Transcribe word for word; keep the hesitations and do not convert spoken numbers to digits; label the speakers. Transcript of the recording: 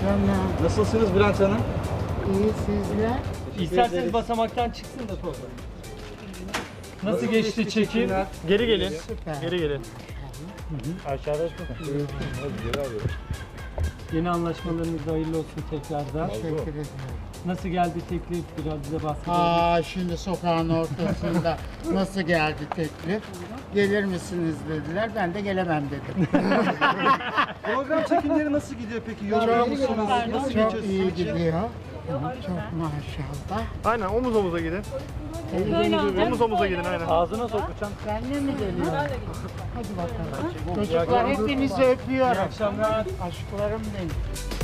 Speaker 1: Canım.
Speaker 2: Nasılsınız Bülent Hanım?
Speaker 1: İyi sizler.
Speaker 3: İsterseniz basamaktan çıksın da foto. Nasıl geçti çekim? Geri gelin.
Speaker 1: Süper.
Speaker 3: Geri gelin. Aşağıda Yeni anlaşmalarınız hayırlı olsun tekrardan.
Speaker 1: Teşekkür ederim.
Speaker 3: Nasıl geldi teklif? Biraz bize bahsedelim.
Speaker 1: Aa, şimdi sokağın ortasında nasıl geldi teklif? Gelir misiniz dediler. Ben de gelemem dedim.
Speaker 2: Program çekimleri nasıl gidiyor peki? Yoruluyor musunuz? Nasıl geçiyor
Speaker 1: Çok
Speaker 2: sizin
Speaker 1: iyi
Speaker 2: için?
Speaker 1: gidiyor. Çok maşallah.
Speaker 4: Aynen omuz omuza gidin. Omuz omuza gidin aynen.
Speaker 3: Ağzına sokacağım.
Speaker 1: Benle mi geliyor? Hadi bakalım. Çocuklar hepinizi öpüyorum.
Speaker 3: İyi akşamlar.
Speaker 1: Aşklarım benim.